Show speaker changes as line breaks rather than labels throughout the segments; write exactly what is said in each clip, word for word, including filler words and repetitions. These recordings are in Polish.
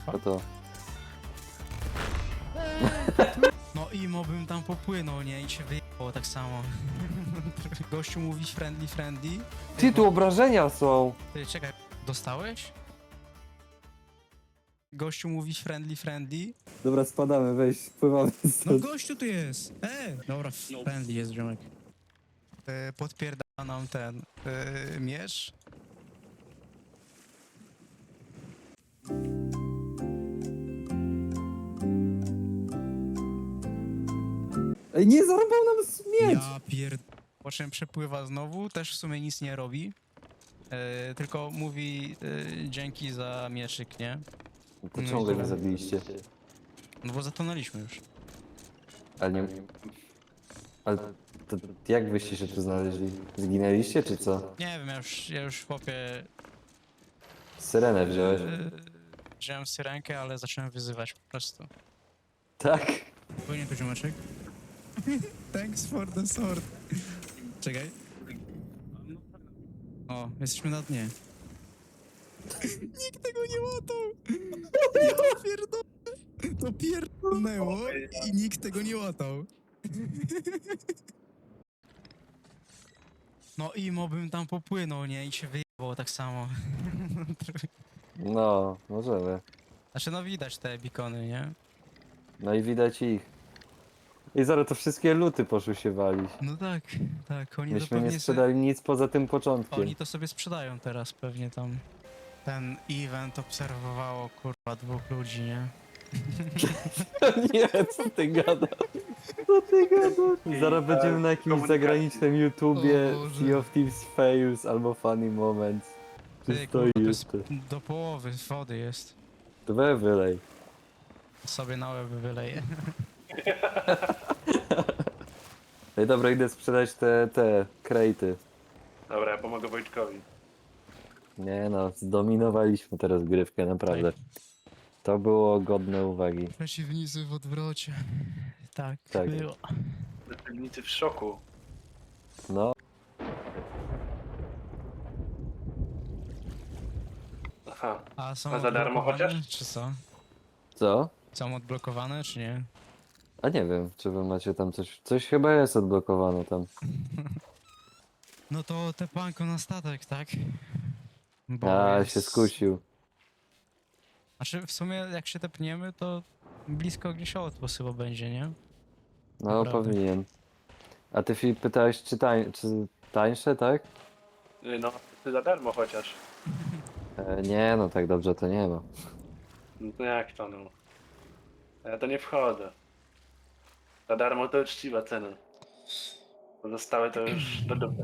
To to.
No imo bym tam popłynął, nie? I się wyjebało tak samo. Gościu mówi friendly, friendly.
Ty, tu obrażenia są!
Ty, czekaj, dostałeś? Gościu mówi friendly, friendly.
Dobra, spadamy, weź, pływamy
No
stąd.
gościu tu jest! E! Dobra, friendly jest ziomek. E, podpierda nam ten e, miecz.
Ej, nie, zarąbał nam śmieć!
Ja pierd... Po czym przepływa znowu, też w sumie nic nie robi. E, tylko mówi e, dzięki za mieczyk, nie?
To
No
czemu
i
go nie
tyle.
zabiliście?
No bo zatonęliśmy już.
Ale nie... Ale to jak wyście się tu znaleźli? Zginęliście, czy co?
Nie wiem, ja już, ja już chłopie
Syrenę wziąłeś?
e, wziąłem syrenkę, ale zacząłem wyzywać po prostu.
Tak?
Płynie tu ziomeczek. Thanks for the sword. Czekaj. O, jesteśmy na dnie. Nikt tego nie łatał! Ja pierdolę! To pierdolnęło i nikt tego nie łatał. No imo bym tam popłynął, nie? I się wyjebało tak samo.
No, możemy.
Znaczy no widać te bikony, nie?
No i widać ich. I zaraz to wszystkie luty poszły się walić.
No tak, tak, oni to
Myśmy nie
pewnie se,
sprzedali nic poza tym początkiem.
oni to sobie sprzedają teraz pewnie tam. Ten event obserwowało kurwa dwóch ludzi, nie?
Nie, co ty gadasz? Co ty gadasz? Zaraz będziemy na jakimś zagranicznym YouTubie
O Boże.
Sea of Thieves Fails albo Funny Moments. Czy
Ty,
stoi
kurwa, to jest
jeszcze?
do połowy wody jest.
To we wylej.
Sobie na łeb wyleję.
Ej, dobra, idę sprzedać te, te krejty.
Dobra, ja pomogę Wojtkowi.
Nie no, zdominowaliśmy teraz grywkę, naprawdę. To było godne uwagi.
Przeciwnicy w odwrocie. Tak,
Tak.
było.
Przeciwnicy w szoku.
No,
Aha.
A są
A za darmo
odblokowane,
chociaż?
czy co?
co?
Są odblokowane, czy nie?
A nie wiem, czy wy macie tam coś... Coś chyba jest odblokowane tam.
No to te panko na statek, tak? Bo
A,
jest-
się skusił.
Znaczy w sumie jak się tepniemy, to blisko gdzieś outpost chyba będzie, nie?
No,
Naprawdę.
powinien. A ty, Filip, pytałeś, czy, tań... czy tańsze, tak?
Y, No, ty za darmo chociaż.
E, nie, no tak dobrze to nie ma.
No to jak to no? Ja to nie wchodzę. Za darmo to uczciwa cena. Pozostałe to już do dupy.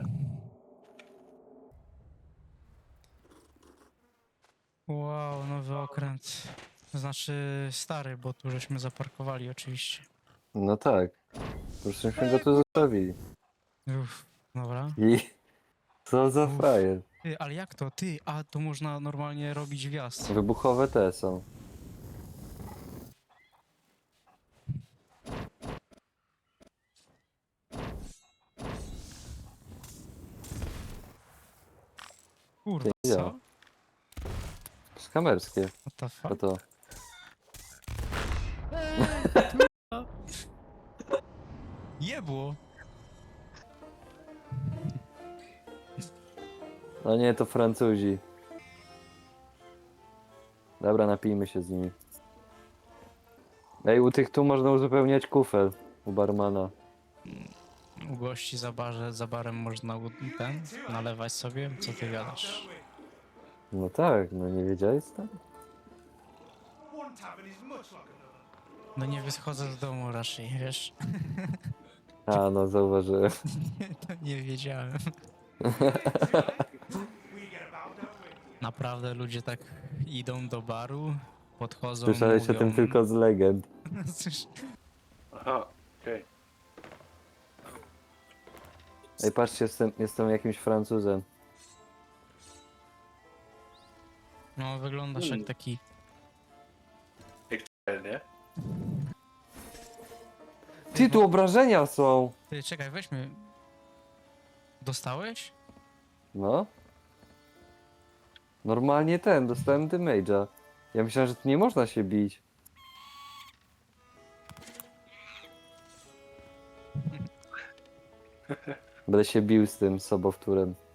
Wow, nowy okręt. Znaczy stary, bo tu żeśmy zaparkowali oczywiście.
No tak. Po prostu myśmy go tu zostawili.
Uff, dobra.
I... Co za
Uff.
frajer.
Ty, ale jak to? Ty, a tu można normalnie robić wjazd.
Wybuchowe te są.
Kurwa,
Ty, ja.
co?
Skamerskie.
What the
To
fuck?
to.
Jebło!
No nie, to Francuzi. Dobra, napijmy się z nimi. Ej, u tych tu można uzupełniać kufel. U barmana.
U gości za, barze, za barem można u- ten, nalewać sobie? Co ty gadasz?
No tak, no nie wiedziałeś tam?
No nie wychodzę z domu raczej, wiesz?
A, no zauważyłem.
To nie wiedziałem. Naprawdę ludzie tak idą do baru, podchodzą,
Słyszałeś
mówią...
o tym tylko z legend.
Cóż,
Aha, okej.
Ej, patrzcie, jestem, jestem jakimś Francuzem.
no wyglądasz jak taki...
Okay. Nie?
Ty, tu obrażenia są!
Ty, czekaj, weźmy... Dostałeś?
No. Normalnie ten, dostałem damage'a. Ja myślałem, że tu nie można się bić. Będę się bił z tym sobowtórem.